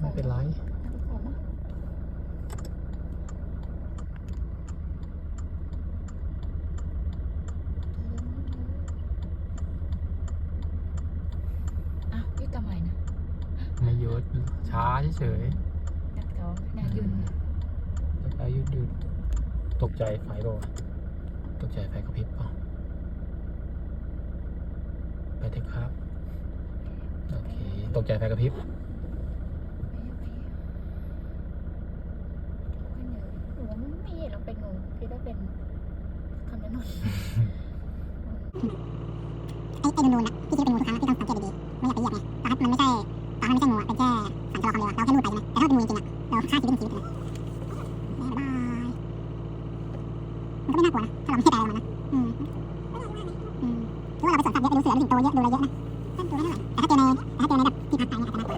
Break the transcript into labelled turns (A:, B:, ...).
A: ไม่เป็นไร
B: ยุดทำไมนะ
A: ไม่หยุดช้าเฉย
B: นักท้องนายุน
A: แล้วก็หยุดตกใจไฟโดนตกใจไฟกระพริบเปล่าไปเถอะครับโอเคตกใจไฟกระพริบ
B: หนูไม่เห็นเราเป็นงูคิดว่าเป็นคำนั้นนน
C: ไอ้นูนๆนะพี่คิดเป็นงูทุกครั้งที่ต้องสังเกตดีๆไม่อยากไปเหยียบไงตอนมันไม่ใช่งูอ่ะเป็นแค่สารชะลอความเร็วเราแค่ลูดไปใช่ไหมแต่ถ้าเป็นงูจริงๆเราฆ่าชีวิตเป็นชีวิตเลยบ๊ายบายมันก็ไม่น่ากลัวนะถ้าเราไม่ใช่อะไรมันนะหรือว่าเราไปสวนสัตว์เยอะไปดูเสือดูสิงโตเยอะดูอะไรเยอะนะดูไม่เท่าไหร่แต่ถ้าเจอในแบบที่พักไปเนี่ยอาจจะน่ากลัว